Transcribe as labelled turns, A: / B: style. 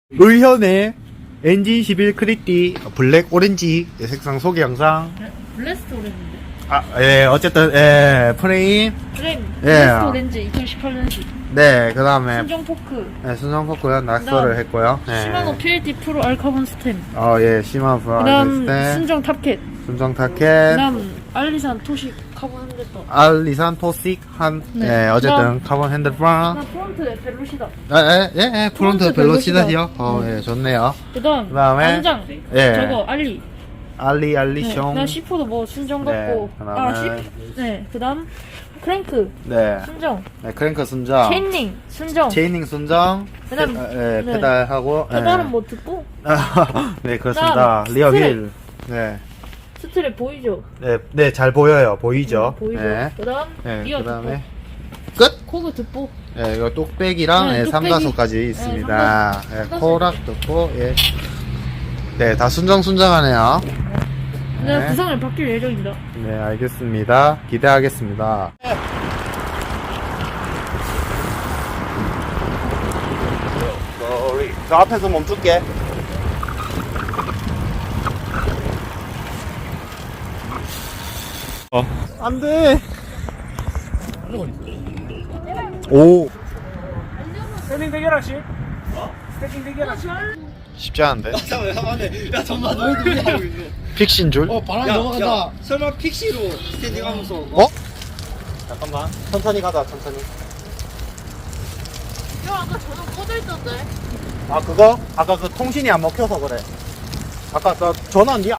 A: 의현의 엔진 11 크리티 블랙 오렌지 색상 소개 영상.
B: 블레스트 오렌지인데?
A: 어쨌든 프레임.
B: 프레임
A: 예.
B: 블레스트 오렌지 2018년식
A: 네, 그 다음에
B: 순정 포크
A: 순정 포크요 낙서를
B: 그다음
A: 했고요.
B: 시마노 PLT 프로 알카본 스템
A: 시마
B: 그다음
A: 브라이스
B: 순정 탑캣
A: 순정 타켓,
B: 그다음 알리산 토식 카본 핸들바
A: 알리산 토식
B: 네.
A: 어쨌든
B: 그다음
A: 카본 핸들바.
B: 그다음 프론트 벨로시다
A: 프론트
B: 프론트
A: 벨로시다요.
B: 벨로시다.
A: 좋네요.
B: 그다음에 안장 저거 알리
A: 알리숑.
B: 그다음 C4도 뭐 순정 같고
A: 그다음에
B: 그다음 크랭크 순정
A: 크랭크 순정.
B: 체인링 순정
A: 순정.
B: 그다음
A: 페달하고.
B: 페달은 뭐 듣고
A: 네, 그렇습니다.
B: 그다음
A: 리어
B: 스트랩.
A: 휠. 네.
B: 스트랩 보이죠?
A: 네, 잘 보여요. 보이죠?
B: 보이죠?
A: 네.
B: 그다음 리어
A: 그다음에
B: 듣보
A: 끝.
B: 코그 듣보
A: 이거 똑배기랑
B: 네, 똑배기.
A: 삼다소까지 있습니다.
B: 삼다소.
A: 코락 듣고 네, 다 순정하네요.
B: 내가
A: 네.
B: 구성을 바뀔 예정입니다.
A: 네, 알겠습니다. 기대하겠습니다. 저 앞에서 멈출게. 안 돼. 오.
C: 스태킹 대결하시? 스태킹 대결하시?
A: 쉽지 않은데.
D: 야 잠깐만 너희들 왜 하고 있노?
A: 픽신 줄?
D: 바람 넘어간다. 설마 픽시로 스탠딩 하면서
A: 잠깐만. 천천히 가자, 천천히.
B: 야, 아까 전화 꺼져있던데?
A: 그거? 아까 그 통신이 안 먹혀서 그래. 아까 저 전원 니